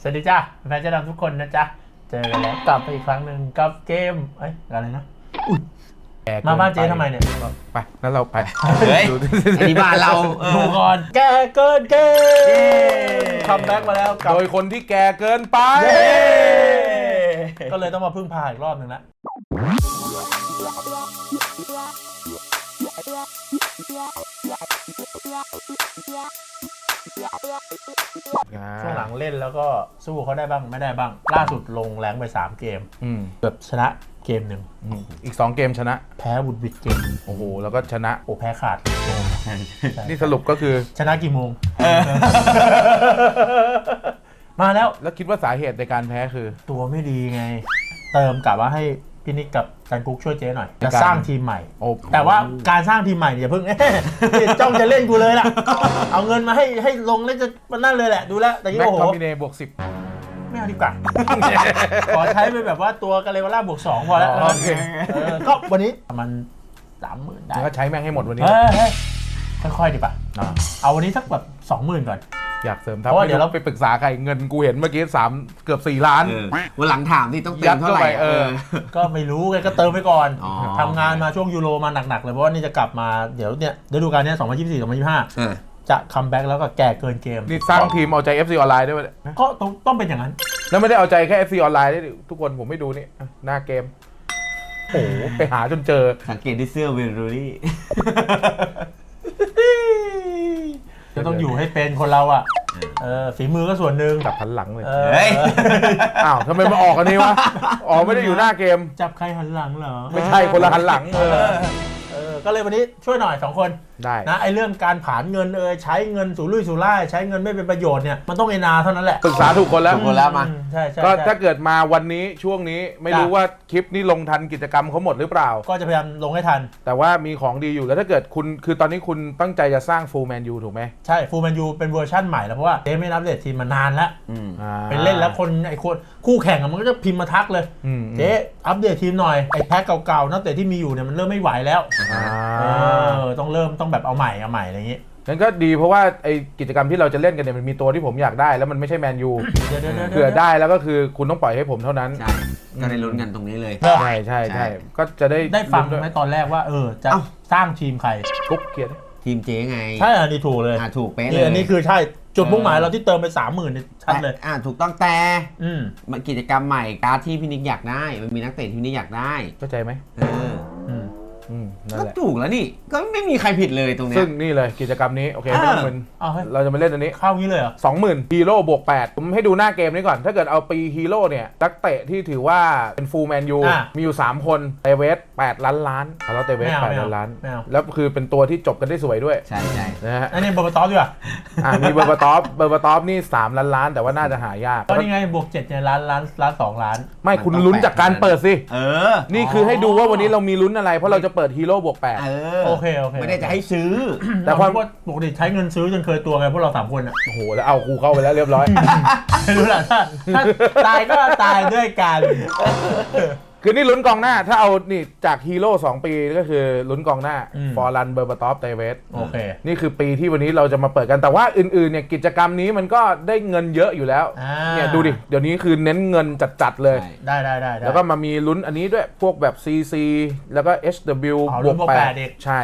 สวัสดีจ้าแฟนเจ้าดำทุกคนนะจ๊ะเจอกันแล้วกลับไปอีกครั้งหนึ่งกับเกมอะไรนะมาบ้านเจ๊ทำไมเนี่ยไปงั้นเราไปเฮ้ยอันนี้บ้านเราดูก่อนแกเกินเกมคัมแบ็กมาแล้วโดยคนที่แก่เกินไปก็เลยต้องมาพึ่งพาอีกรอบหนึ่งละช่วงหลังเล่นแล้วก็สู้เขาได้บ้างไม่ได้บ้างล่าสุดลงแรงไป3เกมแบบชนะเกมหนึ่งอีก2เกมชนะแพ้บุดวิดเกมโอ้โหแล้วก็ชนะแพ้ขาดนี่สรุปก็คือชนะกี่โมงมาแล้วคิดว่าสาเหตุในการแพ้คือตัวไม่ดีไงเติมกลับว่าให้พี่นิกกับจันกุ๊กช่วยเจ๊หน่อยจะสร้างทีมใหม่แต่ว่าการสร้างทีมใหม่อย่าเพิ่งจ้องจะเล่นกูเลยล่ะเอาเงินมาให้ลงแล้วจะมันนั่นเลยแหละดูแลแต่ยี่โอ้โหแม็กคอมบิเนบวก10 ไม่เอาดีกว่าขอใช้ไปแบบว่าตัวกาเลวาร่าบวก2พอแล้วก็วันนี้มัน 30,000 ได้ก็ใช้แม่งให้หมดวันนี้ค่อยๆดีป่ะเอาวันนี้สักแบบ 20,000 ก่อนอยากเสริมเพราะว่าเดี๋ยวเราไปปรึกษาใครเงินกูเห็นเมื่อกี้เกือบ4 ล้านวันหลังถามที่ต้องเติมเท่าไหร่ก็ไม่รู้ไงก็เติมไปก่อนทำงานมาช่วงยูโรมาหนักๆเลยเพราะว่านี่จะกลับมาเดี๋ยวเนี่ยฤดูกาลนี้2024-2025จะคัมแบ็กแล้วก็แก่เกินเกมนี่สร้างทีมเอาใจ FC ออนไลน์ด้วยก็ต้องเป็นอย่างนั้นแล้วไม่ได้เอาใจแค่ FC ออนไลน์ด้วยทุกคนผมไม่ดูนี่หน้าเกมโอ้โหไปหาจนเจอสังเกตที่เสื้อเวลรูรี่จะต้องอยู่ให้เป็นคนเราอ่ะฝีมือก็ส่วนหนึ่งจับหันหลังเลยอ้าวทำไมมาออกอันนี้วะไม่ได้อยู่หน้าเกมจับใครหันหลังเหรอไม่ใช่คนละหันหลังก็เลยวันนี้ช่วยหน่อย2คนได้นะไอ้เรื่องการผ่านเงินใช้เงินสู่ลุยสู่ล่ายใช้เงินไม่เป็นประโยชน์เนี่ยมันต้องเท่านั้นแหละปรึกษาถูกคนแล้วมาใช่ก็ถ้าเกิดมาวันนี้ช่วงนี้ไม่รู้ว่าคลิปนี้ลงทันกิจกรรมเขาหมดหรือเปล่าก็จะพยายามลงให้ทันแต่ว่ามีของดีอยู่แล้วถ้าเกิดคุณคือตอนนี้คุณตั้งใจจะสร้างฟูลแมนยูถูกไหมใช่ฟูลแมนยูเป็นเวอร์ชั่นใหม่แล้วเพราะว่าเจ๊ไม่อัปเดตทีมมานานแล้วเป็นเล่นแล้วคนคู่แข่งมันก็จะพิมพ์มาทักเลยเจ๊อัปเดตทีมหน่อยไอ้แพ็คเก่าๆนักเตะที่มีอยู่เนี่ยมันเริ่มไม่ไหวแล้วต้องแบบเอาใหม่อะไรอย่างนี้นั่นก็ดีเพราะว่าไอ้กิจกรรมที่เราจะเล่นกันเนี่ยมันมีตัวที่ผมอยากได้แล้วมันไม่ใช่แมนยูเผื่อได้แล้วก็คือคุณต้องปล่อยให้ผมเท่านั้นใช่ก็ได้ลุ้นกันตรงนี้เลยใช่ก็จะได้ฟังไหมตอนแรกว่าจะสร้างทีมใครกุ๊กเกียร์ทีมเจ๊ไงใช่อันนี้ถูกเลยถูกเป๊ะเลยอันนี้คือใช่จุดมุ่งหมายเราที่เติมไป 30,000ชัดเลยถูกต้องแต่กิจกรรมใหม่การที่พี่นิกอยากได้มันมีนักเตะที่พี่นิกอยากได้เข้าใจไหมก็ถูกแล้วนี่ก็ไม่มีใครผิดเลยตรงนี้ซึ่งนี่เลยกิจกรรมนี้โอเคไม่ต้องมึนเราจะมาเล่นอันนี้เข้างี้เลยเหรอ 20,000ฮีโร่บวก8ผมให้ดูหน้าเกมนี้ก่อนถ้าเกิดเอาปีฮีโร่เนี่ยนักเตะที่ถือว่าเป็นฟูลแมนยูมีอยู่3คนเตเวส8 ล้านแล้วเตเวส8 ล้านแล้วคือเป็นตัวที่จบกันได้สวยด้วยใช่นะฮะอันนี้เบอร์บาตอฟดีกว่ามีเบอร์บาตอฟนี่3 ล้านแต่ว่าน่าจะหายากก็นี่ไงบวก7เนี่ยล้าน2 ล้านไม่คุณลุ้นจากการเปิดสินี่คือให้ดูว่าวันนี้เรามีลุ้นอะไรเพราะเราจะเปิดฮีโร่บวก8 โอเคไม่ได้จะให้ซื้อแต่ความว่าปกติใช้เงินซื้อจนเคยตัวไงพวกเรา3คนอ่ะโอ้โหแล้วเอากูเข้าไปแล้วเรียบร้อยไม่รู้แหละถ้าตายก็ตายด้วยกันคือนี่ลุ้นกองหน้าถ้าเอานี่จากฮีโร่2 ปีก็คือลุ้นกองหน้าฟอร์ลันเบอร์บาตอฟเตเวสโอเคนี่คือปีที่วันนี้เราจะมาเปิดกันแต่ว่าอื่นๆเนี่ยกิจกรรมนี้มันก็ได้เงินเยอะอยู่แล้วเนี่ยดูดิเดี๋ยวนี้คือเน้นเงินจัดๆเลยได้แล้วก็มามีลุ้นอันนี้ด้วยพวกแบบ CC แล้วก็ HW บวก8ใช่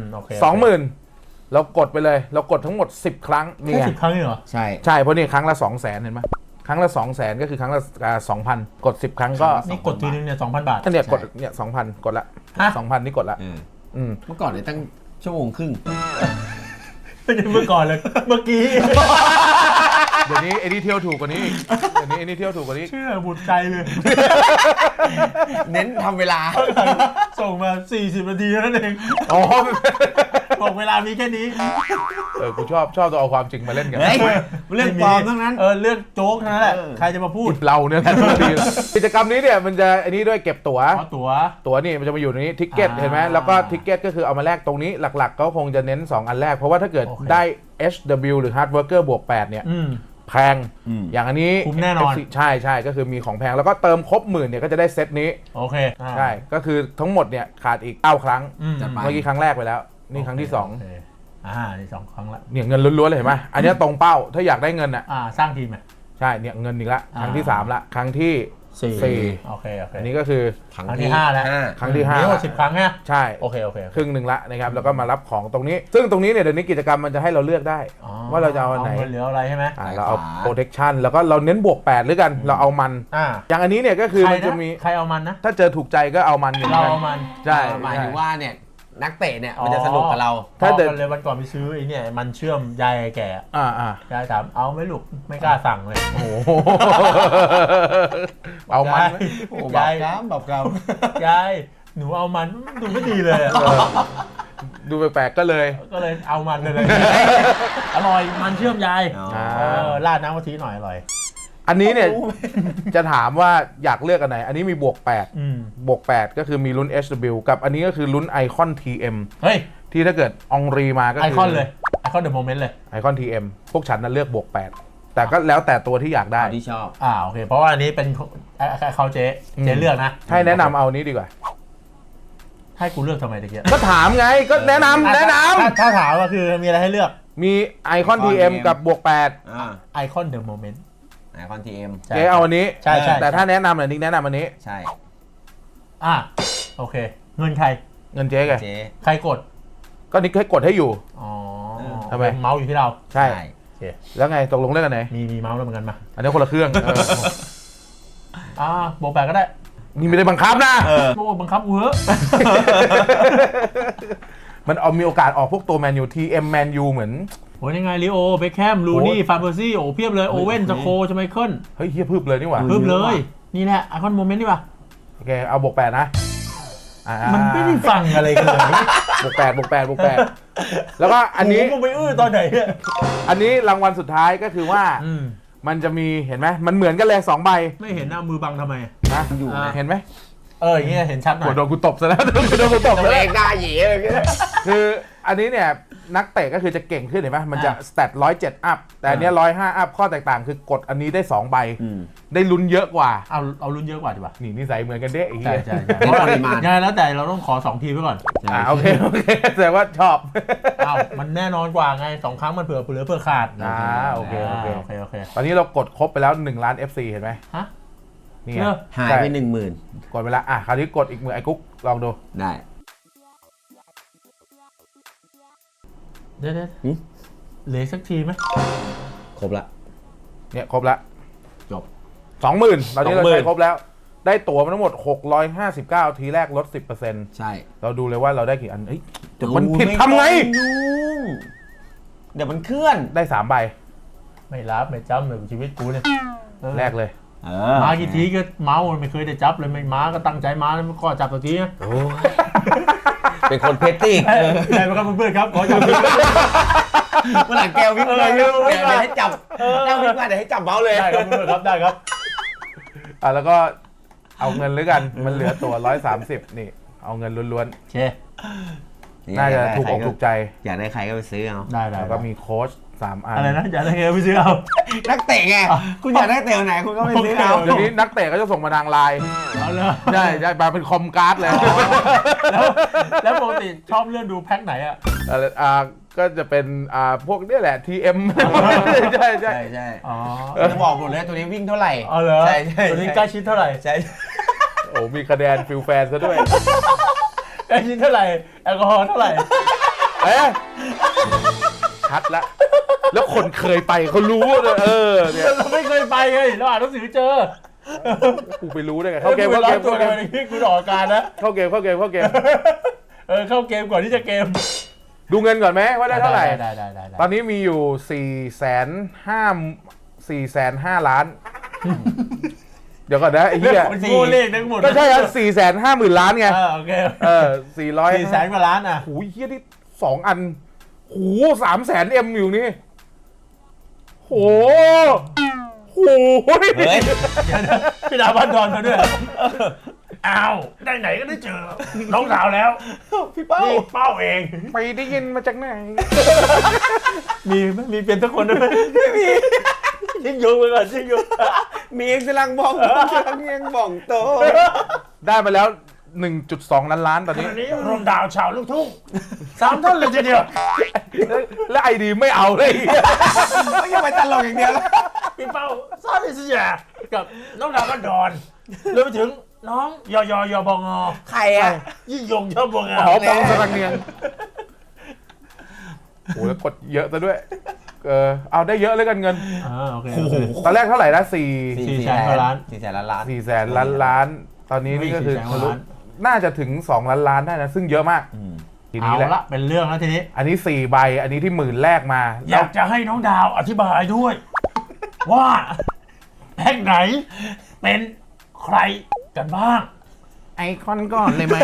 20,000เรากดไปเลยเรากดทั้งหมด10 ครั้งนี่ไง10 ครั้งเหรอใช่เพราะนี่ครั้งละ 200,000 เห็นไหมครั้งละ 200,000 ก็คือครั้งละ 2,000 กด10 ครั้งก็นี่กดทีนึงเนี่ย 2,000 บาทเนี่ยกดเนี่ย 2,000 กดละ 2,000 นี่กดละเมื่อก่อนเนี่ยตั้งชั่วโมงครึ่งไม่ใช่เมื่อก่อนเลยเมื่อกี้เดี๋ยวนี้ไอ้นี่เที่ยวถูกกว่านี้เดี๋ยวนี้ไอ้นี่เที่ยวถูกกว่านี้เชื่อบุญใจเลยเน้นทำเวลาส่งมา40 นาทีนั่นเองบอกเวลามีแค่นี้กูชอบตัวเอาความจริงมาเล่นกันเรื่องปลอมทั้งนั้นเรื่องโจ๊กทั้งนั้นแหละใครจะมาพูดเราเนี่ยกิจกรรมนี้เนี่ยมันจะอันนี้ด้วยเก็บตั๋วนี่มันจะมาอยู่ตรงนี้ทิกเก็ตเห็นไหมแล้วก็ทิกเก็ตก็คือเอามาแลกตรงนี้หลักๆก็คงจะเน้น2 อันแรกเพราะว่าถ้าเกิดได้ HW หรือ Hard Worker บวก8เนี่ยแพงอย่างอันนี้คุ้มแน่นอนใช่ก็คือมีของแพงแล้วก็เติมครบ10,000เนี่ยก็จะได้เซตนี้โอเคใช่ก็คือทั้งหมดเนี่ยขาดอีก9 ครั้งเมื่อกี้ครั้งแรกไปแล้วนี่ครั้งที่2 นี่2 ครั้งละเนี่ยเงินล้วนๆเลยเห็นไหมอันนี้ตรงเป้าถ้าอยากได้เงินอ่ะสร้างทีมใช่เนี่ยเงินอีกละครั้งที่3ละครั้งที่โอเคอันนี้ก็คือครั้งที่5แล้วครั้งที่5 มีทั้งหมด10 ครั้งนะใช่โอเคครึ่งหนึ่งละนะครับแล้วก็มารับของตรงนี้ ซึ่งตรงนี้เนี่ยเดี๋ยวนี้กิจกรรมมันจะให้เราเลือกได้ว่าเราจะเอาอันไหนเงินเหลืออะไรใช่ไหมเราเอา protection แล้วก็เราเน้นบวก8หรือกันเราเอามันอย่างอันนี้เนี่ยก็คือมันจะมีใครเอามันนะถ้าเจอถูกใจก็เอามันเราเอามันใช่หมายถึงว่าเนี่ยนักเตะเนี่ยมันจะสนุกกับเราถ้าเดินเลยวันก่อนไปซื้อไอ้เนี่ยมันเชื่อมยายแก่ยายถามเอาไหมลูกไม่กล้าสั่งเลยโอ้เอามันยายแบบกำยายหนูเอามันดูไม่ดีเลยดูแปลกๆก็เลยเอามันเลยอร่อยมันเชื่อมยายราดน้ำกะทิหน่อยอร่อยอันนี้เนี่ยจะถามว่าอยากเลือกอันไหนอันนี้มีบวก8บวก8ก็คือมีลุ้น HW กับอันนี้ก็คือลุ้นไอคอน TM เฮ้ยที่ถ้าเกิดองรีมาก็ไอคอนเลยไอคอนเดอะโมเมนต์เลยไอคอน TM พวกฉันนั้นเลือกบวก8แต่ก็แล้วแต่ตัวที่อยากได้ที่ชอบโอเคเพราะว่าอันนี้เป็นเขาเจ๊เลือกนะให้แนะนำเอานี้ดีกว่าให้กูเลือกทำไมตะเกียบก็ถามไงก็แนะนำถ้าถามก็คือมีอะไรให้เลือกมีไอคอน TM กับบวก8 ไอคอนเดอะโมเมนต์ไอคอน TM เจ๊เอาอันนี้ใช่แต่ถ้าแนะนำเนี่ยนิกแนะนำอันนี้ใช่โอเคเงินใครเงินเจ๊ไงใครกดก็นิกให้กดให้อยู่ทำไมเมาส์อยู่ที่เราใช่แล้วไงตกลงเรื่องกันไหนมีเมาส์แล้วเหมือนกันมาอันนี้คนละเครื่องบวก8ก็ได้นี่ไม่ได้บังคับนะบังคับกูเหอะมันมีโอกาสออกพวกตัวแมนยูทีแมนยูเหมือนโอ้ยยังไงลิโอเบคแฮมลูนี่ฟานเบอร์ซี่เพียบเลยโอเว่นสโคชไมเคิลเฮ้ยเฮียพึบเลยนี่หว่าพึบเลยนี่แหละไอคอนโมเมนต์นี่ป่ะโอเคเอาบวก8นะมันไม่ได้ฟังอะไรกันเลยบวก8แล้วก็อันนี้มึงไปตอนไหนอันนี้รางวัลสุดท้ายก็คือว่ามันจะมีเห็นไหมมันเหมือนกันเลย2 ใบไม่เห็นมือบังทำไมนะอยู่เห็นไหมอย่างเงี้ยเห็นชัดหน่อยโดนกูตบซะแล้วโดนกูตบเองหน้าหยีเลยคืออันนี้เนี่ยนักเตะก็คือจะเก่งขึ้นเห็นไหมมันจะสแตท107อัพแต่อันนี้105อัพข้อแตกต่างคือกดอันนี้ได้2 ใบได้ลุ้นเยอะกว่าเอาลุ้นเยอะกว่าดีกว่านี่นิสัยเหมือนกันเด้ใช่ยังไงแล้วแต่เราต้องขอ2 ทีไว้ก่อนโอเคแสดงว่าชอบมันแน่นอนกว่าไง2 ครั้งมันเผื่อขาดโอเคตอนนี้เรากดครบไปแล้ว1 ล้าน FC เห็นไหมนี่หายไป 10,000 กดไปแล้วคราวนี้กดอีกมือไอ้กุ๊กลองดูได้เดี๋ยวเหลือสักทีไหมครบละเนี่ยครบละจบ 20,000ตอนนี้เราใช้ครบแล้วได้ตั๋วมาทั้งหมด659ทีแรกลด 10% ใช่เราดูเลยว่าเราได้กี่อันจบมันผิดทำไงเดี๋ยวมันเคลื่อนได้3 ใบไม่รับไม่จำเลยชีวิตกูเนี่ยแรกเลยมากี่ทีก็เมาไม่เคยได้จับเลยไม่มาก็ตั้งใจมาแล้วก็จับตัวทีนะเป็นคนเพชรติกใช่ไหมครับเพื่อนๆครับขอจับทีเมื่อหลังแก้ววิ่งเลยเดี๋ยวให้จับแก้ววิ่งมาเดี๋ยวให้จับเมาเลยได้ครับเพื่อนๆครับได้ครับแล้วก็เอาเงินหรือกันมันเหลือตัว130นี่เอาเงินล้วนๆน่าจะถูกอกถูกใจอยากได้ใครก็ไปซื้อเอาได้แล้วก็มีโค้ช3 อันอะไรนะอยากได้ใครก็ไปซื้อเอานักเตะไงคุณอยากได้เตะไหนคุณก็ไปซื้อเอาเดี๋ยวนี้นักเตะก็จะส่งมาทางไลน์เอาเลยใช่มาเป็นคอมการ์ดเลยแล้วปกติชอบเลื่อนดูแพ็คไหนก็จะเป็นพวกนี่แหละ TM ใช่จะบอกหมดเลยตัวนี้วิ่งเท่าไหร่ใช่ตัวนี้ใกล้ชิดเท่าไหร่ใช่โอ้มีคะแนนฟิลแฟนซะด้วยใกล้ชิดเท่าไหร่แอลกอฮอล์เท่าไหร่ชัดละแล้วคนเคยไปเขารู้เนี่ยเราไม่เคยไปไงเราอ่านหนังสือเจอกูไปรู้ได้ไงเข้าเกมกูออกการนะเข้าเกมเข้าเกมเข้าเกมก่อนที่จะเกมดูเงินก่อนไหมว่าได้เท่าไหร่ได้ตอนนี้มีอยู่450,000 ล้านเดี๋ยวก่อนนะไอ้เหี้ยเลขทั้งหมดก็ใช่ครับ450,000 ล้านไงโอเค 400 กว่าล้านโอ้ยเหี้ยที่2 อันโห300,000 M อยู่นี่โหพี่ดาวบ้านดอนเขาด้วยอ้าวได้ไหนก็ได้เจอน้องสาวแล้วพี่เป้าเองไปได้ยินมาจากไหนมีเป็นทุกคนด้วยไม่มีชิงยุไปก่อนชิงยุมีเองกำลังบ้องโตได้มาแล้ว1.2 ล้านตอนนี้รวมดาวชาวลูกทุ่ง3 ท่อนเลยทีเดียวแล้วไอดีไม่เอาเลยไม่ยังไปตลกอย่างเดียวพี่เป้าซาดิสยากับน้องดาวก็ดอนรวมไปถึงน้องยบงใครอ่ะยิ่งยงชอบบัวงาหอมปองสรังเนียงโอ้แล้วกดเยอะซะด้วยเอาได้เยอะเลยกันเงินโอเคตอนแรกเท่าไหร่นะ4 400,000 กว่าล้าน 400,000,000,000 4 แสนล้านตอนนี้นี่ก็คือ 400,000 กว่าล้านน่าจะถึง2 ล้านได้นะซึ่งเยอะมากทีเอานี้แหละละเป็นเรื่องแล้วทีนี้อันนี้4ใบอันนี้ที่10,000แรกมาอยากจะให้น้องดาวอธิบายด้วย ว่าแพ็กไหนเป็นใครกันบ้างไอคอนก่อนเลยไหม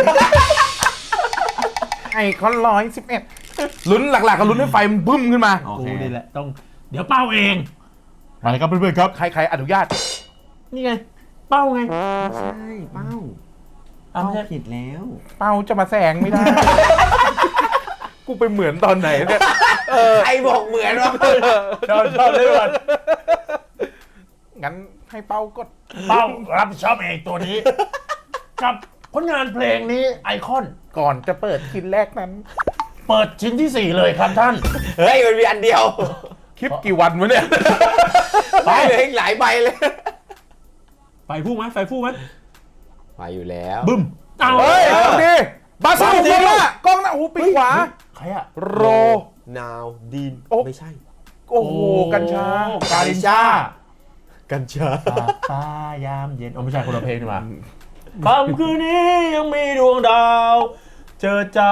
ไอคอน111ลุ้นหลักๆก็ลุ้นให้ไฟมันบึ้มขึ้นมาโอเคกูนี่แหละต้องเดี๋ยวเป้าเองมาเลยครับเพื่อนๆครับใครอนุญาตนี่ไง เป้าไงใช่เป้าอ้าวไม่ใช่ผิดแล้วเป้าจะมาแซงไม่ได้ กูไปเหมือนตอนไหนเนี่ยใครบอกเหมือนวะชอบเลยก่อนงั้นให้เป้ากดเป้ารับผิดชอบเองตัวนี้ กับผลงานเพลงนี้ไอคอนก่อนจะเปิดคินแรกนั้นเปิดชิ้นที่ 4 เลยครับท่านเฮ้ยมันมีอันเดียวคลิปกี่วันวะเนี่ยไปเลยอีกหลายใบเลยไฟฟู่ไหมไฟฟู่ไหมไปอยู่แล้วบึ้มเอาเฮ้ยเอาดีบาซูกล้องหน้ากล้องหน้าโอ้โหปีกขวาใครอะโรนาวดีนโอ้ไม่ใช่โอ้โหกัญชาการินชากัญชาฟ้ายามเย็นโอ้ไม่ใช่คนละเพลงนี่หว่าคำคืนนี้ยังมีดวงดาว เจอจ้า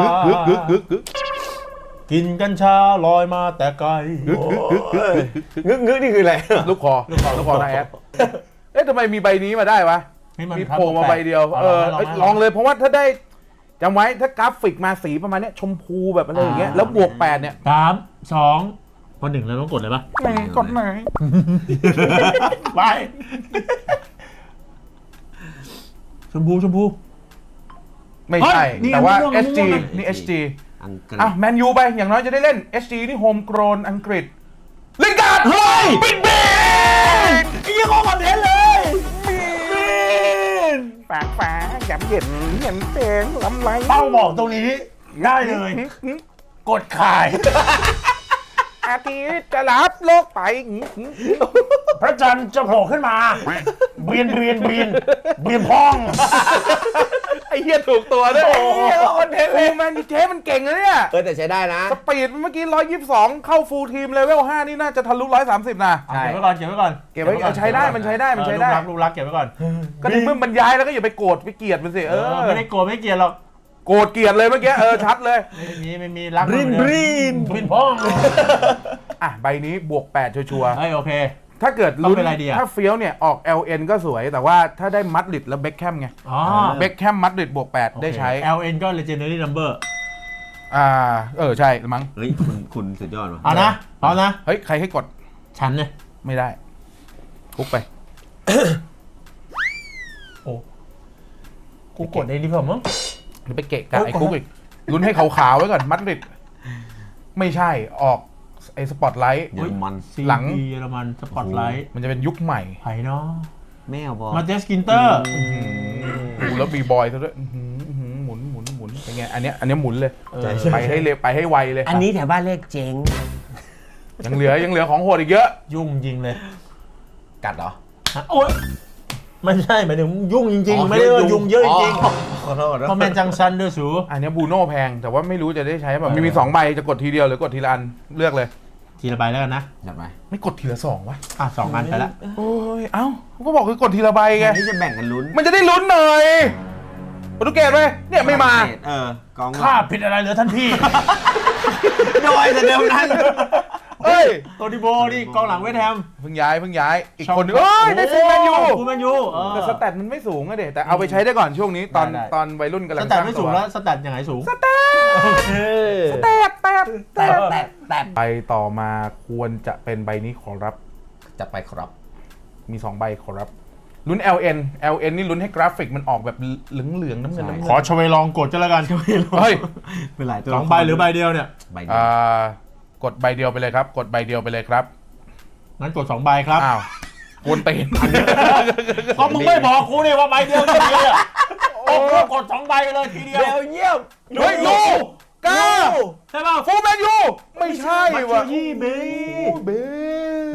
กินกัญชาลอยมาแต่ไกลงึกนี่คืออะไรลูกคอนายแอดเอ๊ะทำไมมีใบนี้มาได้วะให้มันมีโผล่มาใบเดียว ลองเลยเพราะว่าถ้าได้จำไว้ถ้ากราฟิกมาสีประมาณเนี้ยชมพูแบบอะไรอย่างเงี้ยแล้วบวก8เนี่ย 3 2 พอ 1แล้วต้องกดเลยปะไหนกดไหนไปชมพูไม่ใช่เฮ้ยนี่แต่ว่าม่วง SG ม่วงนี่ SG อังกฤษอ่ะแมนยูไปอย่างน้อยจะได้เล่น SG นี่โฮมโกรนอังกฤษลิงการ์ดเฮ้ยบิ๊กเบนไอ้ยี่ห้อคอนเทนต์เลยฝาหยำเย็นเห็นแสงลำไรเป้าบอกตรงนี้ได้เลย กดขายอาทิตย์จะรับโลกไปพระจันทร์จะโผล่ขึ้นมาเบียนพองไอ้เหี้ยถูกตัวด้วยโอ้โหคอนเทนต์แมนยูเทมันเก่งนะเนี่ยแต่ใช้ได้นะสปีดเมื่อกี้122เข้าฟูลทีมเลเวล5นี่น่าจะทะลุ130นะใช่เก็บไว้ก่อนเก็บไว้เอาใช้ได้มันใช้ได้ลูกรักเก็บไว้ก่อนก็ในเมื่อมันย้ายแล้วก็อย่าไปโกรธไปเกลียดมันสิไม่ได้โกรธไม่เกลียดหรอกโกรธเกลียดเลยเมื่อกี้ชัดเลยไม่มีรักบรินพองอ่ะใบนี้บวก8ชัวร์เฮ้ยโอเคถ้าเกิดต้องเป็นอะไรดีอะถ้าเฟี้ยวเนี่ยออก LN ก็สวยแต่ว่าถ้าได้มัดริดแล้วเบคแคมไงอ๋อเบคแคมมัดริดบวก8ได้ใช้ LN ก็ legendary number ใช่มั้งเฮ้ยคุณสุดยอดว่ะเอานะพร้อมนะเฮ้ยใครให้กดฉันเนี่ยไม่ได้คุกไปโอ้กูกดเองดีกว่ามั้งหรือไปเกะกะไอ้คุกอีกลุ้นให้ขาวๆไว้ก่อนมัดริดไม่ใช่ออกไอ้สปอตไลท์เยอรมันหลังเยอรมันสปอตไลท์มันจะเป็นยุคใหม่ไผ่เนาะแมวบอลมาเจสกินเตอร์ดูแล้วบีบอยซะด้วยหมุนเป็นไงอันเนี้ยหมุนเลยใช่ไปให้เร็วไปให้ไวเลยอันนี้แถวบ้านเลขเจ๊งยังเหลือของโหดอีกเยอะยุ่งจริงเลยกัดเหรอโอ๊ยไม่ใช่หมายถึงยุ่งจริงๆไม่ได้ว่ายุ่งเยอะจริงขอโทษๆเพราะแมนจังซันด้วยสูอันเนี้ยบูโน่แพงแต่ว่าไม่รู้จะได้ใช้แบบมี2ใบจะกดทีเดียวหรือกดทีละอันเลือกเลยทีละใบแล้วกันนะจัดไปไม่กดทีละ2วะ 2 อันไปละโอ้ยเอ้าเขาก็บอกคือกดทีละใบไงนี่จะแบ่งกันลุ้นมันจะได้ลุ้นหน่อยโปรตุเกสไหมเนี่ยไม่มากองข้าผิดอะไรเหรอท่านพี่โดยแต่เดิมนั้นเอ้ยโตดิโบนี่กองหลังเวสต์แฮมเพิ่งย้ายอีกคนนึงเอ้ยได้ฟูลแมนยูฟูลแมนยูแต่สแตทมันไม่สูงอะเด็แต่เอาไปใช้ได้ก่อนช่วงนี้ตอนได้ตอนวัยรุ่นกำลัสงแตทไม่สูงแล้วสแตทยังไงสูงแตกแต่ใบต่อมาควรจะเป็นใบนี้ขอรับจัดไปครับมี2ใบขอรับลุ้น LN นี่ลุ้นให้กราฟิกมันออกแบบเหลืองๆน้ำเงินขอชเวลองกดก็แล้วกันเฮ้ยเป็นหลายตัว 2 ใบหรือใบเดียวเนี่ยใบเดียวกดใบเดียวไปเลยครับ กดใบเดียวไปเลยครับงั้นกด 2 ใบครับอ้าวกวนตีนก็มึงไม่บอกกูนี่ว่าใบเดียวทีเดียวโอ้โหกด 2 ใบเลยทีเดียวเบลเยี่ยมเฮ้ยยูกาใช่ป่ะฟูลแมนยูไม่ใช่มัตว่ะเชยี่เบเบไอ้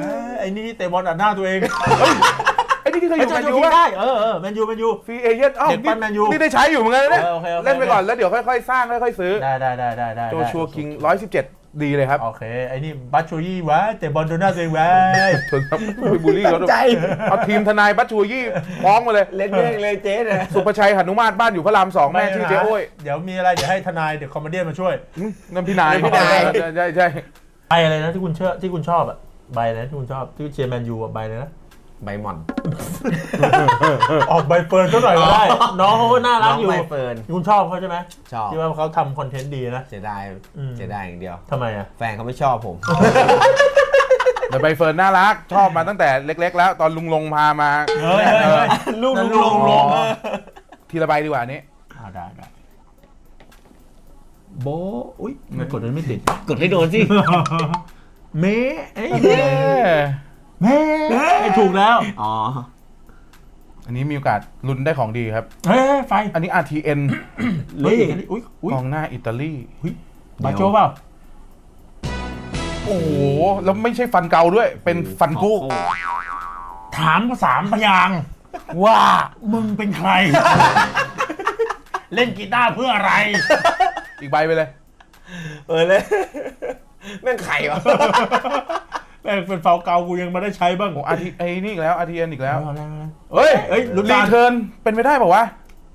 อ้นี่เตะบอลอัดหน้าตัวเองไอ้นี่ที่เคยอยู่แมนยูได้ป่ะแมนยูฟรีเอเจนต์อ้าวเด็กปั้นแมนยูนี่ได้ใช้อยู่เหมือนกันนะเนี่ยโอเคเล่นไปก่อนแล้วเดี๋ยวค่อยๆสร้างค่อยๆซื้อได้โจชัวคิง117ดีเลยครับโอเคไอ้นี่บัตชูยี่วะเตะบอลโดนหน้าตัวเองวะชนครับไปบูลลี่เขาใจเอาทีมทนายบัตชัวยี่ฟ้องมาเลยเล่นเองเลยเจ๊นะสุภชัยหนุมานบ้านอยู่พระราม2แม่ชื่อเจ๊โอ้ยเดี๋ยวมีอะไรเดี๋ยวให้ทนายเดี๋ยวคอมเมดี้มาช่วยนั่นพี่นายใช่ใบอะไรนะที่คุณชอบอ่ะใบอะไรที่คุณชอบที่เชียร์แมนยูอ่ะใบเลยนะใบหม่อนออกใบเฟิร์นก็หน่อยก็ได้ น้องเขาก็น่ารักอยู่ใบเฟิร์นคุณชอบเขาใช่ไหมชอบที่ว่าเขาทำคอนเทนต์ดีนะเสียดายอย่างเดียวทำไมอ่ะแฟนเขาไม่ชอบผมแต่ใบเฟิร์นน่ารักชอบมาตั้งแต่เล็กๆแล้วตอนลุงลงพามาเฮ้ยลูกลงทีละใบดีกว่านี้ได้โบอุ้ยมันกดไม่ติดกดให้โดนสิเมเอ้ยเมถูกแล้วอ๋ออันนี้มีโอกาสลุ้นได้ของดีครับเฮ้ยไฟอันนี้ RTN เฮ้ยอุ้ยกองหน้าอิตาลีบาโจเปล่าโอ้โหแล้วไม่ใช่ฟันเกาด้วยเป็นฟันกู้ถามภาษาพยางค์ว่ามึงเป็นใคร เล่นกีตาร์เพื่ออะไรอีกใบไปเลยเลยแม่งไข่วะแม่งเป็นฟาวเกากูยังไม่ได้ใช้บ้างโอ้ไอ้นี่อีกแล้ว RTN อีกแล้วเฮ้ยลุ้นรีการเทิร์นเป็นไปได้ป่าวะ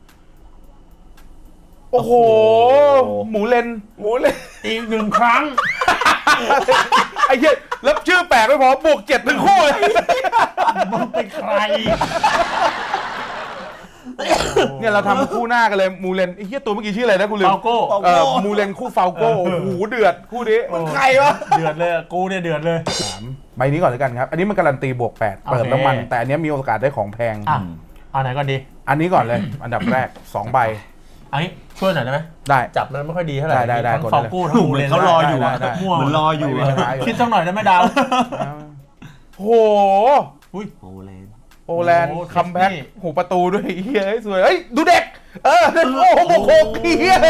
โอ้โห หมูเลนอีกหนึ่งครั้งไอ้เหี้ยแล้วชื่อแปลกไม่พอบวก7ทั้งคู่เลยมึงเป็นใครเนี่ยเราทำคู่หน้ากันเลยมูเลนไอ้เหี้ยตัวเมื่อกี้ชื่ออะไรนะกูลืมฟาวโก้มูเลนคู่ฟาวโก้โอ้โหเดือดคู่นี้ไข่วะเดือดเลยกูเนี่ยเดือดเลยใบนี้ก่อนเลยกันครับ อันนี้มันการันตีบวก8เปิดน้ำมัน แต่อันนี้มีโอกาสได้ของแพงอ่ะเอาไหนก่อนดีอันนี้ก่อนเลย อันดับแรก2ใบอันนี้ช่วยหน่อยได้ไหมได้จับมันไม่ค่อยดีเท่าไหร่ได้ทั้งกดฟาวได้เลยโก้ทั้งมูเลนเขารออยู่อะได้มั่วเหมือนรออยู่ไม่อะมีปัญหาอยู่คิดสักหน่อยได้ไหมดาวโอ้โหอุ้ยโอแลนด์โอแลนด์โอ้คัมแบ็กนี่หูประตูด้วยเฮียสวยเฮ้ยดูเด็กโอ้โหโคกเฮีย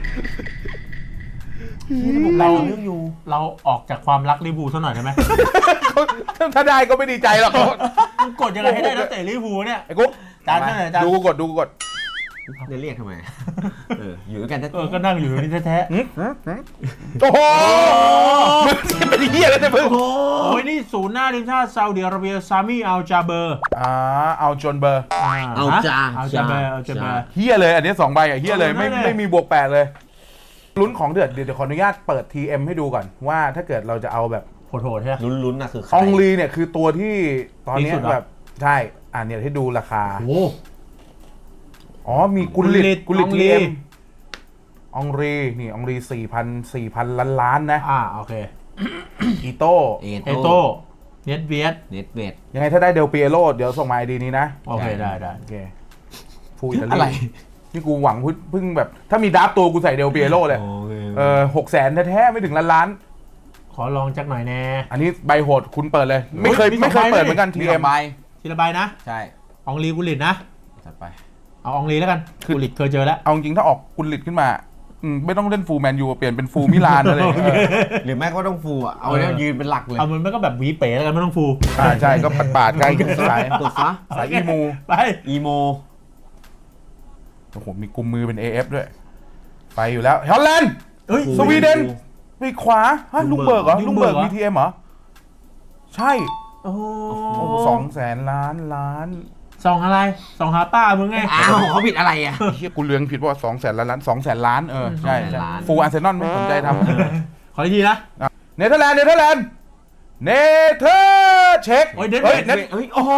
เราเราออกจากความรักลิเวอร์พูลซะหน่อยได้ไหมถ้าได้ก็ไม่ดีใจหรอกมึงกดยังไงให้ได้นักเตะลิเวอร์พูลเนี่ยไอ้กุ๊กจานเท่าไหร่จานดูกูกดเรียกทำไมอยู่ด้วยกันก็นั่งอยู่นี่แท้โอ้โหมึงเป็นเฮียแล้วเนี่ยมึงๆโอ้ยนี่ศูนย์หน้าทีมชาติซาอุดิอาระเบียซามีอัลจาเบอร์เอาจนเบอร์อัลจาเบอร์เฮียเลยอันนี้2ใบอ่ะเฮียเลยไม่มีบวก8เลยลุ้นของเดือดเดี๋ยวขออนุญาตเปิด TM ให้ดูก่อนว่าถ้าเกิดเราจะเอาแบบโหดๆใช่ไหมลุ้นๆนะคือใครอองลีเนี่ยคือตัวที่ตอนนี้ดีสุดเหรอแบบใช่เนี่ยให้ดูราคาโอ้อ๋อมีกุลิตอองลีทีเอ็มอองรีนี่อองรี4,000 ล้านนะโอเคอีโต้เอโต้เน็ตเวียดเน็ตเวทยังไงถ้าได้เดลเปียโรเดี๋ยวส่งมาไอดีนี้นะโอเคได้โอเคฟูอิตาลีอะไรนี่กูหวังเพิ่งแบบ ถ้ามีดับตัวกูใส่เดลเปียโรเลย600,000แท้ๆไม่ถึงล้านขอลองจักหน่อยแน่อันนี้ใบโหดคุณเปิดเลย ไม่เคยมีสองใบเปิดเหมือนกันมี TM ใบทีละใบนะใช่อองลีกุลิตนะจัดไปเอาอองลีแล้วกันกุลิตเคยเจอแล้วเอาจริงๆถ้าออกกุลิตขึ้นมาไม่ต้องเล่นฟูลแมนยูเปลี่ยนเป็นฟูลมิลานอะไรหรือแม่ก็ต้องฟูอ่ะเอาเนี่ยยืนเป็นหลักเลยเอามันก็แบบหวีเป๋แล้วกันไม่ต้องฟูใช่ก็ปาดๆใกล้สายกดซะสายอีมูไปอีโมโอ้โหมีกุมมือเป็น AF ด้วย ไปอยู่แล้วฮอลแลนด์เฮ้ยสวีเดนปีกขวาฮะลุงเบิร์กเหรอลุลุงงเบิเบิร์ร์กก BTM เหรอ ใช่โอ้ 200,000 ล้านส่องอะไรส่องหาป้ามึงไงอ้าวเขาผิดอะไรอ่ะเฮียกูเลืองผิดว่า200,000 ล้าน200,000 ล้านใช่ 200,000 ล้านฟูลอาร์เซนอลไม่สนใจทขออีกทีนะำเนเธอร์แลนด์เช็คโอ้ยเด็ดเน็ตเฮ้ยโอ้โห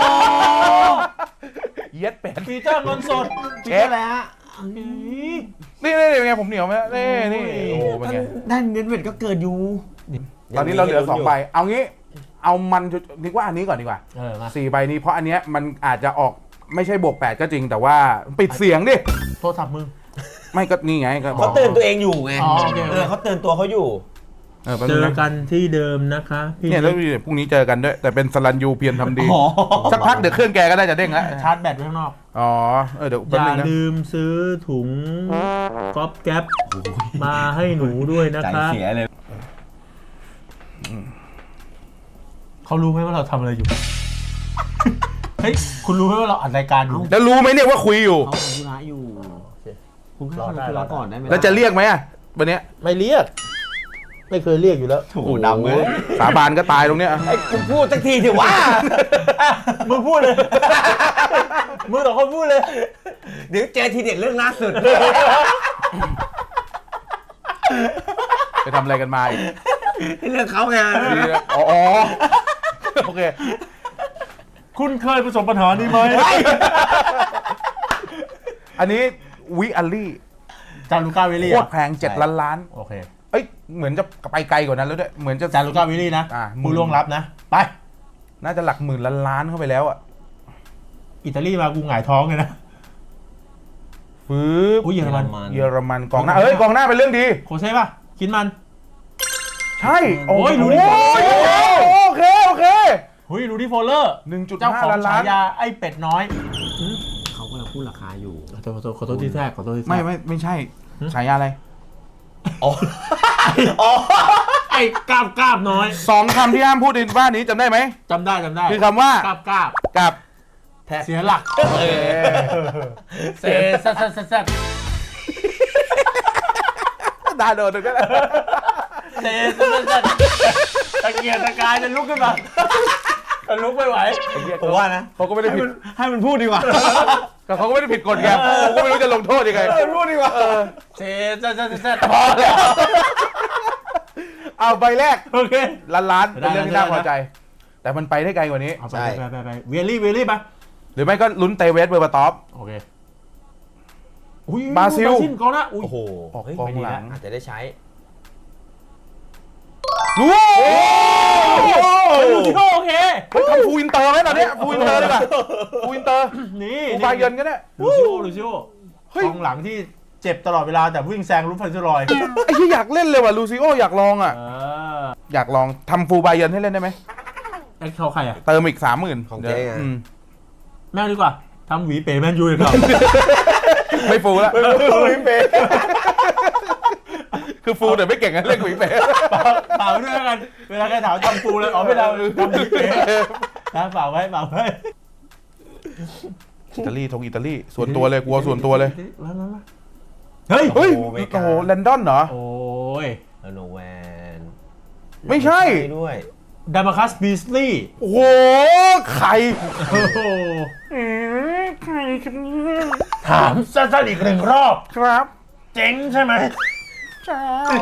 เย็ดเป็ดปีเตอร์เงินสดเช็คอะไรฮะนี่เป็นไงผมเหนียวไหมนี่โอ้โหเป็นไงด้านเน็ตเวทก็เกิดอยู่ตอนนี้เราเหลือ2ใบเอางี้เอามันนึกว่าอันนี้ก่อนดีกว่ามา 4 ใบนี้เพราะอันเนี้ยมันอาจจะออกไม่ใช่บวก8ก็จริงแต่ว่าปิดเสียงดิโทรศัพท์มึงไม่ก็นี่ไงก็บเขาอกเตือนตัวเองอยู่ไงอ๋อโอเคเขาเตือนตัวเขาอยู่แป๊บเจนึงอนะกันที่เดิมนะคะพี่เนี่ยแล้วพรุ่งนี้เจอกันด้วยแต่เป็นสลันยูเพียรทำดีอ๋อสักพักเดี๋ยวเครื่องแกก็ได้จะเด้งแล้วชาร์จแบตไว้ข้างนอกอ๋อเดี๋ยวอแป๊บย่านึงนะลืมซื้อถุงก๊อปแก๊ปมาให้หนูด้วยนะใจคะเสียเลยเขารู้ไหมว่าเราทำอะไรอยู่ เฮ้ยคุณรู้ไหมว่าเราอัดรายการอยู่แล้วรู้ไหมเนี่ยว่าคุยอยู่เขาทำธุระอยู่คุณก็ทำธุระก่อนได้ไหมแล้วจะเรียกไหมอ่ะวันเนี้ยไม่เรียก ไม่เคยเรียกอยู่แล้วโอ้โหดำเลยสาบานก็ตายตรงเนี้ยไอ้กูพูดสักทีเถอะว่ามึงพูดเลย มึงต่อคนพูดเลยเดี๋ยวเจอทีเด็ดเรื่องล่าสุดไปทำอะไรกันมาอีกเรื่องเขาไงดีนะอ๋อโอเคคุณเคยประสบปัญหานี้ไหมอันนี้วิอัลลี่จารุก้าวิลลี่โคอะตรแพง7 ล้านล้านโอเคเอ้ยเหมือนจะไปไกลกว่านั้นแล้วด้วยเหมือนจะจารุก้าวิลลี่นะ ผู้ล่วงลับนะ ไปน่าจะหลักหมื่นล้านเข้าไปแล้วอ่ะอิตาลีมากูหงายท้องเลยนะฟื้บอุ้ยเยอรมันเยอรมันกองหน้าเอ้ยกองหน้าเป็นเรื่องดีโคเซ่ป่ะ คิดมันใช่โอ้ยรู้ดิโอเคโอเคหุยรูดี้โฟลเลอร์ เจ้าของ 1.5 ล้านล้าฉาน ยาไอ้เป็ดน้อยเขากำลังพูดราคาอยู่ขอโทษที่แทรกขอโทษที่แทรกไม่ใช่ฉายาอะไรอ๋อไอ้กราบน้อย 2 คำที่ห้ามพูดในบ้านนี้จำได้ไหมจำได้คือคำว่ากราบกับเสียหลักเซซดาโดนก็ได้เซตะเกียกตะกายจะลุกขึ้นมาจะลุกไม่ไหวผมว่านะเขาก็ไม่ได้ผิดให้มันพูดดีกว่าแต่เขาก็ไม่ได้ผิดกฎไงผมก็ไม่รู้จะลงโทษยังไงพูดดีกว่าเซพพอแล้วเอาใบแรกโอเคล้านเป็นเรื่องที่น่าพอใจ แต่มันไปได้ไกลกว่านี้เอาไปเวลลี่ไปหรือไม่ก็ลุ้นเตเวสเบอร์บาตอฟโอเคอุ้ยบราซิลกองหน้าอุ้ยโอ้โหออกเฮ้ยกองไม่ดีหลัแล้วงอาจจะได้ใช้รู้ลูซิโอโอเคเฮ้ยทำฟูลอินเตอร์ไหมตอนเนี้ยฟูลอินเตอร์ดีกว่าฟูลอินเตอร์นี่ฟูลบาเยิร์นก็ได้ลูซิโอเฮ้ยกองหลังที่เจ็บตลอดเวลาแต่วิ่งแซงรูปฟันซิลอยไอ้ที่อยากเล่นเลยว่ะลูซิโออยากลองอ่ะออยากลองทำฟูลบาเยิร์นให้เล่นได้ไหมแอคเขาใครอ่ะเติมอีก 30,000 ของเจ๊ไงแม่งดีกว่าทำหวีเป๋แมนยูเลยครับไม่ฟูลแล้ววิมเป้คือฟูลแต่ไม่เก่งกันเล่นกุยเป๋เปล่าด้วยกันเวลาใครถามทำปูเลยอ๋อไม่เราทำหวีเป๋นะเปล่าไว้อิตาลีอิตาลีส่วนตัวเลยกลัวส่วนตัวเลยมาเฮ้ยเฮ้ยโอ้โหแลนดอนเหรอโอ้ยโนแวนไม่ใช่ด้วยดามาคัสบีสลีย์โอ้โหใครโอ้โหใครครับเนี่ยถามสั้นๆอีกหนึ่งรอบครับเจ๋งใช่ไหมจ้า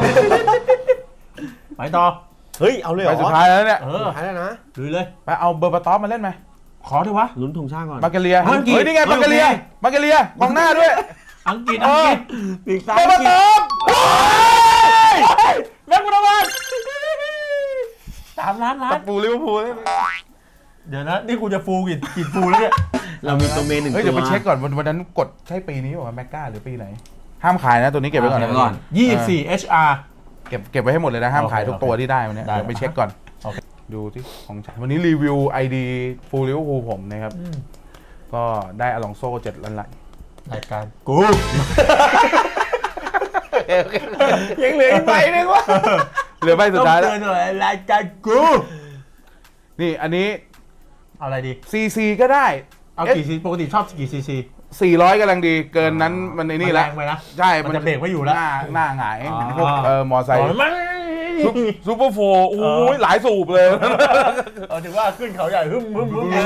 ไปต่อเฮ้ย เอาเลยเหรไปอสุดท้ายแล้วเนี่ยสุดท้ายแล้วนะลุยเลยไปเอาเบอร์บาตอฟมาเล่นไหมขอเถอะวะลุ้นธงชาติก่อนมาเกเลียอังกฤษเฮ้ยนี่ไงเฮ้ยมาเกเลียโอเคมาเกเลียกองหน้าด้วยอังกฤษเออปีกซ้ายเบอร์บาตอฟแม็กบุรวัน3 ล้านกับปูลิเวอร์พูลเลยเดี๋ยวนะนี่กูจะฟูกี่ฟูแล้วเนี่ยเรามีตัวเมนหนึ่งตัวเฮ้ยเดี๋ยวไปเช็คก่อนวันนั้นกดใช่ปีนี้ป่ะแมกกาหรือปีไหน ห้ามขายนะตัวนี้เก็บไว้ก่อนเก็บไว้ก่อน 24 HR เก็บไว้ให้หมดเลยนะห้ามขายทุกตัวที่ได้วันนี้ได้เดี๋ยวไปเช็คก่อนโอเคดูที่ของฉันวันนี้รีวิว ID ฟูลิเวอร์พูลผมนะครับ ก็ได้อลองโซ่7 ล้านรายการกูยังเหลืออีกใบหนึงวะเหลือใบสุดท้ายต้แล้องวเตือนหน่อยรายการกูนี่อันนี้เอาอะไรดี CC ก็ได้เอากี่ซีปกติชอบกี่ซีซี 400กำลังดีเกินนั้นมันไอ้นี่แล้วแรงไปนะใช่มันจะเบรกไม่อยู่แล้วหน้าหงายอ๋อพวกมอไซค์มันซูเปอร์โฟร์โอ้ยหลายสูบเลยเอาถือว่าขึ้นเขาใหญ่หึมนะ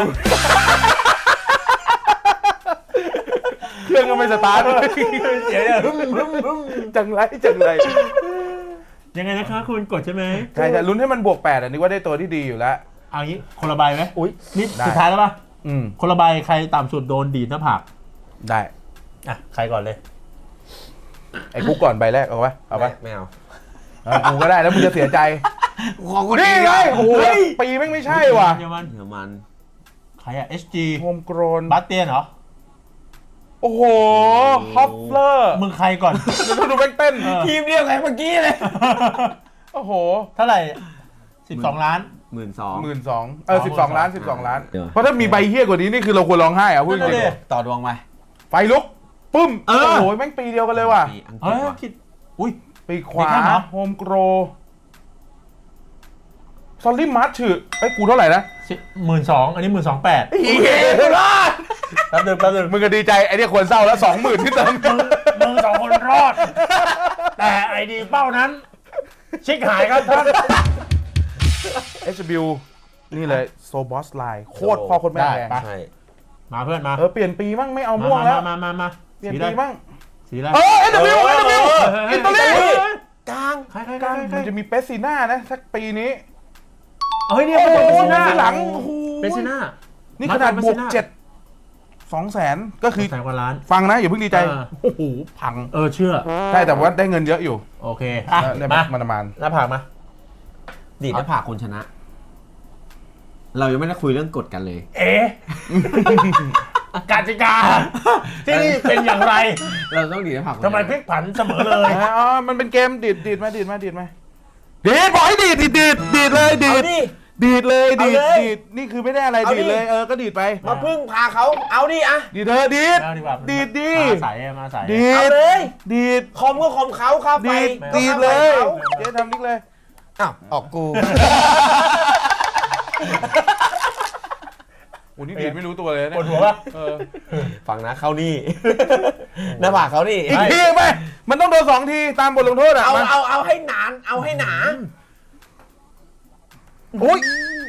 เครื่องก็ไม่สตาร์ทเสียเนี่ยหึมจังไรยังไงนะคะคุณกดใช่ไหมใช่แต่ลุ้นให้มันบวก8อันนี้ว่าได้ตัวที่ดีอยู่แล้วเอางี้คนละใบไหมอุ้ยนี่ได้สุดท้ายแล้วป่ะอืมคนละใบใครต่ำสุดโดนดีดหน้าผากได้อ่ะใครก่อนเลยไอ้กูก่อนใบแรกเอาปะเอาปะไม่เอากูก็ได้แล้วมึงจะเสียใจของคนนี่นี้ไงไงโอ้โหปีแม่งไม่ใช่ว่ะเยอรมันเดี๋ยวมันใครอ่ะ SG โฮมโกรนบาสเตียนเหรอโอ้โหฮอปเลอร์มึงใครก่อนดูแม่งเต้นทีมเดียวกันเมื่อกี้เลยโอ้โหเท่าไหร่12 ล้าน 12,000 12ล้าน12 ล้านเดี๋ยวเพราะถ้ามีใบเฮี้ยกว่านี้นี่คือเราควรร้องไห้อะพูดจนั่นริงน่ะดิต่อดวงไปๆไฟลุกปึ้มเออโอ้โหแม่งปีเดียวกันเลยว่ะปีอังกฤเฮ้ษยว่ะคิดอุ้ยปีขวามีแค่เหรอโฮมโกรซอลลี่มาร์ชชื่อไอ้กูเท่าไหร่นะ 12,000อันนี้12,800 อีเหี้ยรอดแป๊บนึงมึงก็ดีใจไอ้เนี่ยควรเศร้าแล้ว 20,000ที่เติมมึงสองคนรอด แต่ไอดีเป้านั้น ชิกหายครับท่าน HW นี่เลยโซบอสไลน์โคตรพ่อโคตรแม่แรงได้ใช่มาเพื่อนมาเปลี่ยนปีมั่งไม่เอาม่วงแล้วมาเปลี่ยนสีปีมั่งสีอะไร HW อิตาลีกลางใครมันจะมีเปสซีน่านะสักปีนี้เฮ้ยเนี่ยโอ้โหเปซิน่าหลังโอ้โหเปซิน่านี่ขนาดบวกมา 7 200,000ก็คือ 100,000 กว่าล้านฟังนะอย่าเพิ่งดีใจเออโอ้โหพังเชื่อใช่แต่ว่าได้เงินเยอะอยู่โอเคอ่ะได้มามันประมาณหน้าผากมาดีดหน้าผากคนชนะ เรายังไม่ได้คุยเรื่องกฎกันเลยเอ๊ะกติกาที่นี่เป็นอย่างไรเราต้องดีดหน้าผากคนชนะทำไมพลิกผันเสมอเลยอ๋อมันเป็นเกมดีดมาดีดบอกให้ดีดเลยดีเอาดดิดีดเลยเอาดีเลยดนี่คือไม่ได้อะไรเอาดิดีดเลยก็ดีดไปมาพึ่งพาเขาเอาดิอะดีดเธอะดีดเอาดีกว่าดีดดีมาใส่มาใส่ดีเอาดเลยดีดคอมก็คอมเขาเข้าไปดีดไม่ดีดก็เลข้าย ไปเขาเจ๊ทำนิกเลยอ้าวออกกูโอ้นี่ดีดไม่รู้ตัวเลยปเนี่วย ดหัวปะฟังนะเขานี่ หน้าผากเขานี่อีกทีไหมมันต้องโดน2 ทีตามบทลงโทษอ่ะเอาให้หนานเอาให้หนาโอ้ย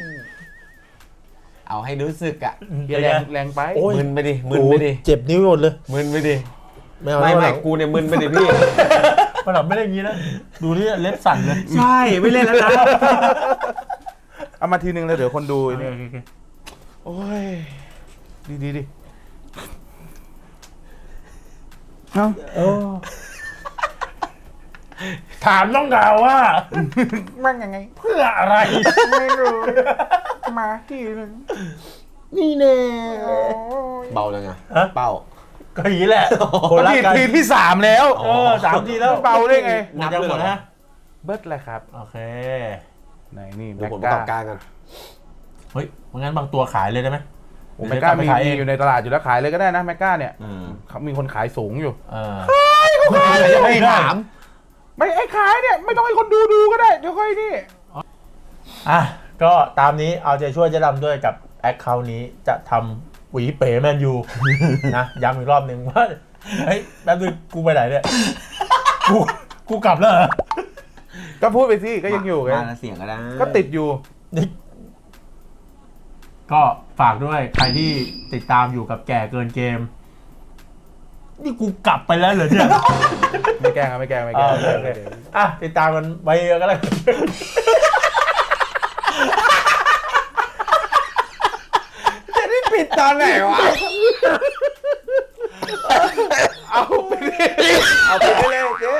เอาให้รู้สึกอะแรงไปมึนไปดิมึนไปดิเจ็บนิ้วหมดเลยมึนไปดิไม่เอาไม่ไม่กูเนี่ยมึนไปดิพี่มันหลับไม่ได้อย่างนี้นะดูนี่เล็บสั่นเลยใช่ไม่เล่นแล้วนะเอามาทีนึงเลยเดี๋ยวคนดูโอเคนี่โอเคโอ้ยดีเอาถามน้องดาวว่ามั่งยังไงเพื่ออะไรไม่รู้มาทีนึงนี่แน่เบาเลยไงฮะเป้าก็อย่างนี้แหละคนละทีที่3แล้ว 3 ทีแล้วเบาได้ไงหมดยังหมดนะเบิร์ดเลยครับโอเคไหนนี่ดูแม็กผลประกากอบการกันเฮ้ยงั้นบางตัวขายเลยได้ไหมแม็กกาไปขายเองมีอยู่ในตลาดอยู่แล้วขายเลยก็ได้นะแม็กกาเนี่ยอืมเขามีคนขายสูงอยู่ไม่ถามไม่ไอ้ขายเนี่ยไม่ต้องให้คนดูก็ได้เดี๋ยวค่อยนี่อ่ะก็ตามนี้เอาใจช่วยเจ๊ดำด้วยกับแอคเคาท์นี้จะทำหวีเป๋แมนยู นะย้ำอีกรอบหนึ่งว่าเฮ้ยแป๊บนึงกูไปไหนเนี่ยกูกลับแล้วเหรอก็พูดไปสิก็ยังอยู่ไงมาแล้วเสียงก็ได้ก็ติดอยู่นี่ก็ฝากด้วยใครที่ติดตามอยู่กับแก่เกินเกม นี่กูกลับไปแล้วเหรอเนี่ยไม่แกล้งครับไม่แกล้งโอเคอ่ะติดตามกันไว้เยอะก็แล้วกันจะได้ปิดตอนไหนวะเอาไปดิเอาไปได้เลยเจ๊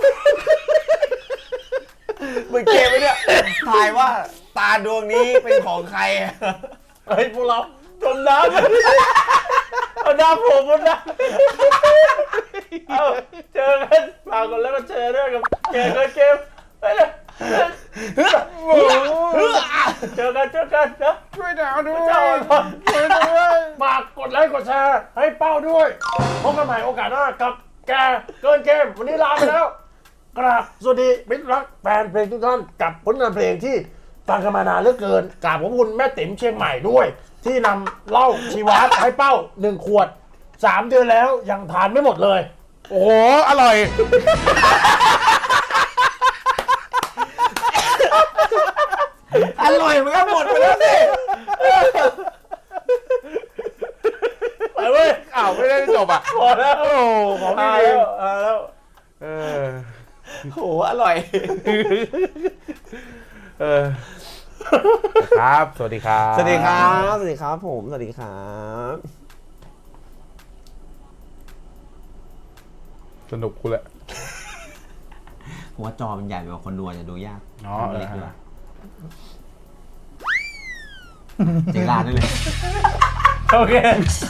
มึงเกมไปเนี่ยทายว่าตาดวงนี้เป็นของใครอะเฮ้ยพวกเราจมน้ำเอาน้ำผมมันนะเอาเจอกันฝากกันแล้วก็เจอด้วยกับแก่เกินเกมไปเลยเจอกันนะช่วยดาวด้วยเจ้าอ่อนพรช่วยด้วยฝากกดไลค์กดแชร์ให้เป้าด้วยพบกันใหม่โอกาสหน้ากับแกเกินเกมวันนี้ลาไปแล้วกราบสวัสดีมิตรรักแฟนเพลงทุกท่านกับผลงานเพลงที่ฟังกันมานานเหลือเกินกราบขอบคุณแม่ติ๋มเชียงใหม่ด้วย ที่นำเหล้าชีวาสให้เป้า1 ขวด 3 เดือนแล้วยังทานไม่หมดเลยโอ้โหอร่อยอร่อยมันก็หมดไปแล้วสิไปเว้ยอ้าวไม่ได้จบอ่ะพอแล้วโอ้ของพี่อาเอแล้งวอาแล้วเออโหอร่อยเออครับสวัสดีครับสวัสดีครับสวัสดีครับผมสวัสดีครับสนุกกูแหละผมว่าจอมันใหญ่กว่าคนดูอาจจะดูยากอ๋อทำเล็กดีกว่าเจลาได้เลยโอเค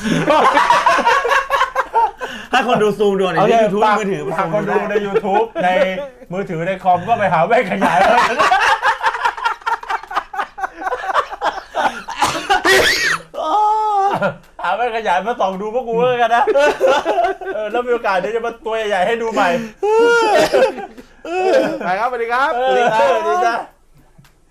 ถ้าคนดูซูมดูใน YouTube มือถือฝากคนดูใน YouTube ในมือถือในคอมก็ไปหาแว่นขยายเลยหาแว่นขยายมาส่องดูพวกกูแล้วกันนะแล้วมีโอกาสเดี๋ยวจะมาตัวใหญ่ๆให้ดูใหม่ไปครับสวัสดีครับสวัสดีจ้า